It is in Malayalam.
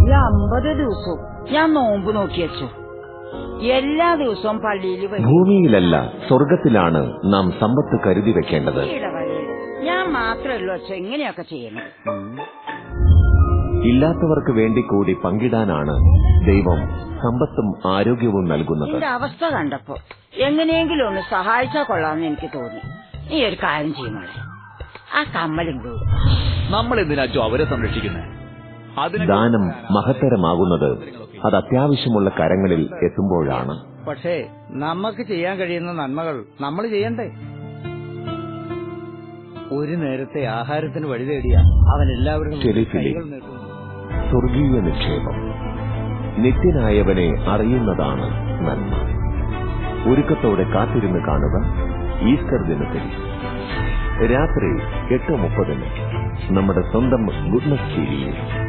ഈ 50 ദിവസവും ഞാൻ നോമ്പ് നോക്കി വെച്ചു. എല്ലാ ദിവസവും പള്ളിയിൽ ഭൂമിയിലല്ല സ്വർഗത്തിലാണ് നാം സമ്പത്ത് കരുതി വെക്കേണ്ടത്. ഞാൻ മാത്രമല്ലോ അച്ഛൻ എങ്ങനെയൊക്കെ ചെയ്യണത്. ഇല്ലാത്തവർക്ക് വേണ്ടി കൂടി പങ്കിടാനാണ് ദൈവം സമ്പത്തും ആരോഗ്യവും നൽകുന്നത്. എന്റെ അവസ്ഥ കണ്ടപ്പോ എങ്ങനെയെങ്കിലും ഒന്ന് സഹായിച്ചാൽ കൊള്ളാമെന്ന് എനിക്ക് തോന്നി. നീ ഒരു കാര്യം ചെയ്യുമോളെ, ആ കമ്മലും നമ്മൾ എന്തിനാച്ചോ അവരെ സംരക്ഷിക്കുന്നത്? ദാനം മഹത്തരമാകുന്നത് അത് അത്യാവശ്യമുള്ള കരങ്ങളിൽ എത്തുമ്പോഴാണ്. പക്ഷേ നമുക്ക് ചെയ്യാൻ കഴിയുന്ന നന്മകൾ നമ്മൾ ചെയ്യണ്ടേ? ഒരു നേരത്തെ ആഹാരത്തിന് വഴി തേടിയ അവൻ എല്ലാവരും സ്വർഗീയ നിക്ഷേപം. നിത്യനായവനെ അറിയുന്നതാണ് നന്മ. ഒരുക്കത്തോടെ കാത്തിരുന്ന് കാണുക ഈസ്റ്റർ ദിനത്തിൽ രാത്രി 8:30 നമ്മുടെ സ്വന്തം ഗുഡ്നസ് ടിവിയിൽ.